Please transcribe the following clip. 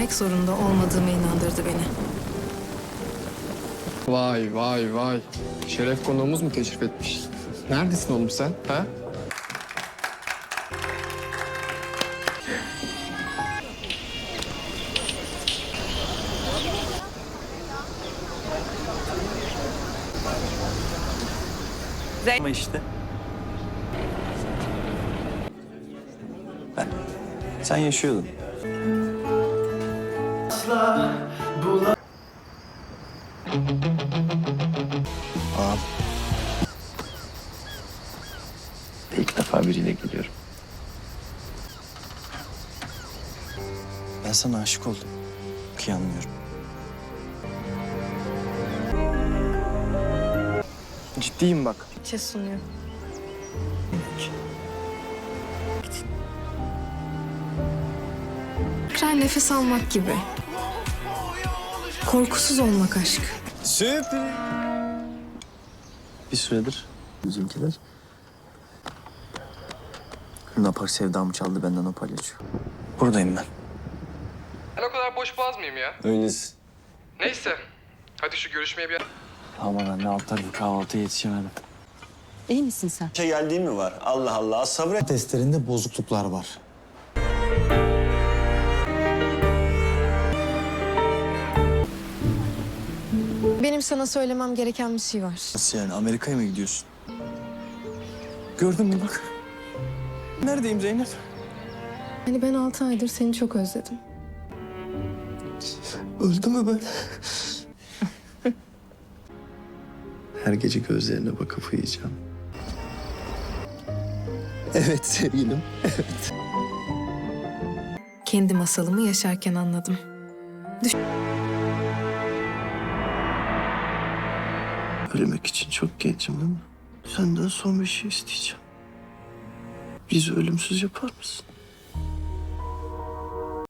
vermek zorunda olmadığıma inandırdı beni. Vay vay vay. Şeref konuğumuz mu teşrif etmiş? Neredesin oğlum sen? Ha? Ama işte. Sen yaşıyordun. Al. İlk defa biriyle geliyorum. Ben sana aşık oldum. Çok iyi anlıyorum. Ciddiyim bak. Çe sunuyor. Tekrar nefes almak gibi. Korkusuz olmak aşk. Süper. Bir süredir bizimkiler Luna Park sevdamı çaldı benden, o palyaço. Buradayım ben. Ben o kadar boş boğaz mıyım ya? Öylesin. Neyse. Hadi şu görüşmeye bir... Aman anne, alt tarafı kahvaltıya yetişemedim. İyi misin sen? Şey geldiği mi var? Allah Allah, sabret. Testlerinde bozukluklar var. Benim sana söylemem gereken bir şey var. Nasıl yani, Amerika'ya mı gidiyorsun? Gördün mü bak. Neredeyim Zeynep? Hani ben 6 aydır seni çok özledim. Öldü mü ben? Her gece gözlerine bakıp uyuyacağım. Evet sevgilim. Kendi masalımı yaşarken anladım. Ölmek için çok gencim değil mi? Senden son bir şey isteyeceğim. Bizi ölümsüz yapar mısın?